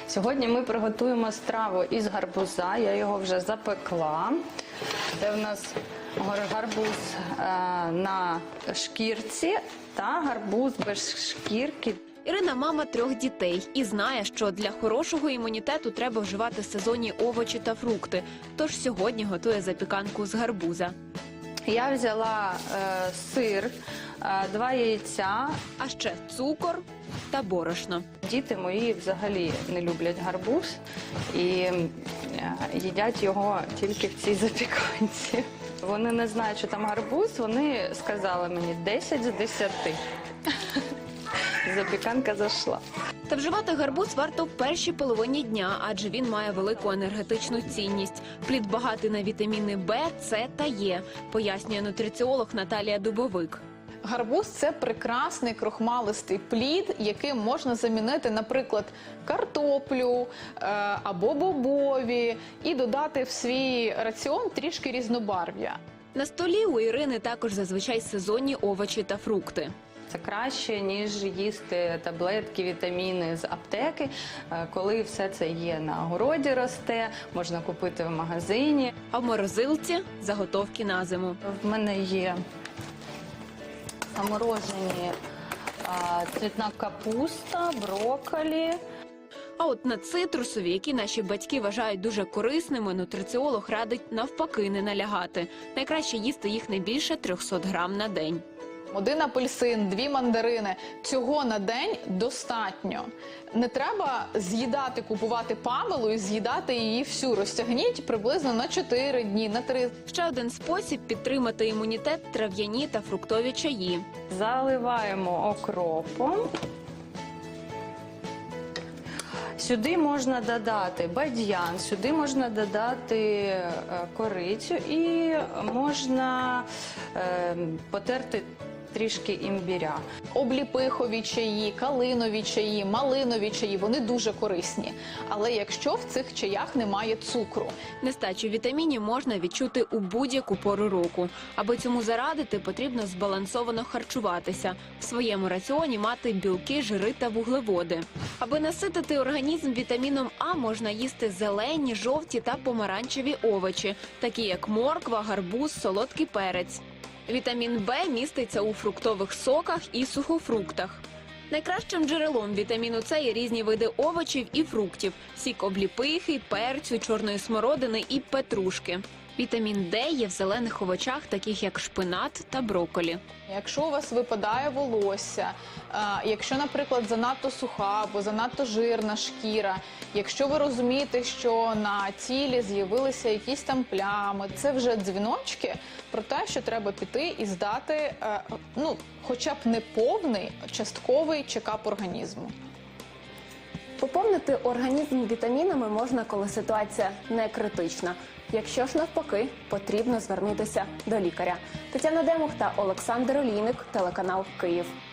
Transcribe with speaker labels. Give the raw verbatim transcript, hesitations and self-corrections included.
Speaker 1: Сьогодні ми приготуємо страву із гарбуза, я його вже запекла. Це в нас гарбуз е, на шкірці та гарбуз без шкірки.
Speaker 2: Ірина – мама трьох дітей і знає, що для хорошого імунітету треба вживати сезонні овочі та фрукти. Тож сьогодні готує запіканку з гарбуза.
Speaker 1: Я взяла е, сир, е, два яйця.
Speaker 2: А ще цукор та борошно.
Speaker 1: Діти мої взагалі не люблять гарбуз і е, їдять його тільки в цій запіканці. Вони не знають, що там гарбуз, вони сказали мені десять з десяти. Запіканка зайшла.
Speaker 2: Та вживати гарбуз варто в першій половині дня, адже він має велику енергетичну цінність. Плід багатий на вітаміни Б, С та Е, пояснює нутриціолог Наталія Дубовик.
Speaker 3: Гарбуз – це прекрасний крохмалистий плід, яким можна замінити, наприклад, картоплю е, або бобові і додати в свій раціон трішки різнобарв'я.
Speaker 2: На столі у Ірини також зазвичай сезонні овочі та фрукти.
Speaker 1: Це краще, ніж їсти таблетки, вітаміни з аптеки, коли все це є на городі росте, можна купити в магазині.
Speaker 2: А в морозилці – заготовки на зиму.
Speaker 1: В мене є заморожені а, цвітна капуста, брокколі.
Speaker 2: А от на цитрусові, які наші батьки вважають дуже корисними, нутриціолог радить навпаки не налягати. Найкраще їсти їх не більше трьохсот грам на день.
Speaker 3: Один апельсин, дві мандарини – цього на день достатньо. Не треба з'їдати, купувати Памелу і з'їдати її всю. Розтягніть приблизно на чотири дні, на три.
Speaker 2: Ще один спосіб підтримати імунітет – трав'яні та фруктові чаї.
Speaker 1: Заливаємо окропом. Сюди можна додати бадьян, сюди можна додати корицю і можна е, потерти трішки імбиря.
Speaker 3: Обліпихові чаї, калинові чаї, малинові чаї – вони дуже корисні. Але якщо в цих чаях немає цукру.
Speaker 2: Нестачу вітамінів можна відчути у будь-яку пору року. Аби цьому зарадити, потрібно збалансовано харчуватися. В своєму раціоні мати білки, жири та вуглеводи. Аби наситити організм вітаміном А, можна їсти зелені, жовті та помаранчеві овочі, такі як морква, гарбуз, солодкий перець. Вітамін Б міститься у фруктових соках і сухофруктах. Найкращим джерелом вітаміну С є різні види овочів і фруктів – сік обліпихи, перцю, чорної смородини і петрушки. Вітамін Д є в зелених овочах, таких як шпинат та брокколі.
Speaker 3: Якщо у вас випадає волосся, якщо, наприклад, занадто суха або занадто жирна шкіра, якщо ви розумієте, що на тілі з'явилися якісь там плями, це вже дзвіночки про те, що треба піти і здати, ну, хоча б не повний, частковий чекап організму.
Speaker 4: Поповнити організм вітамінами можна, коли ситуація не критична. Якщо ж навпаки, потрібно звернутися до лікаря. Тетяна Демух та Олександр Олійник, телеканал Київ.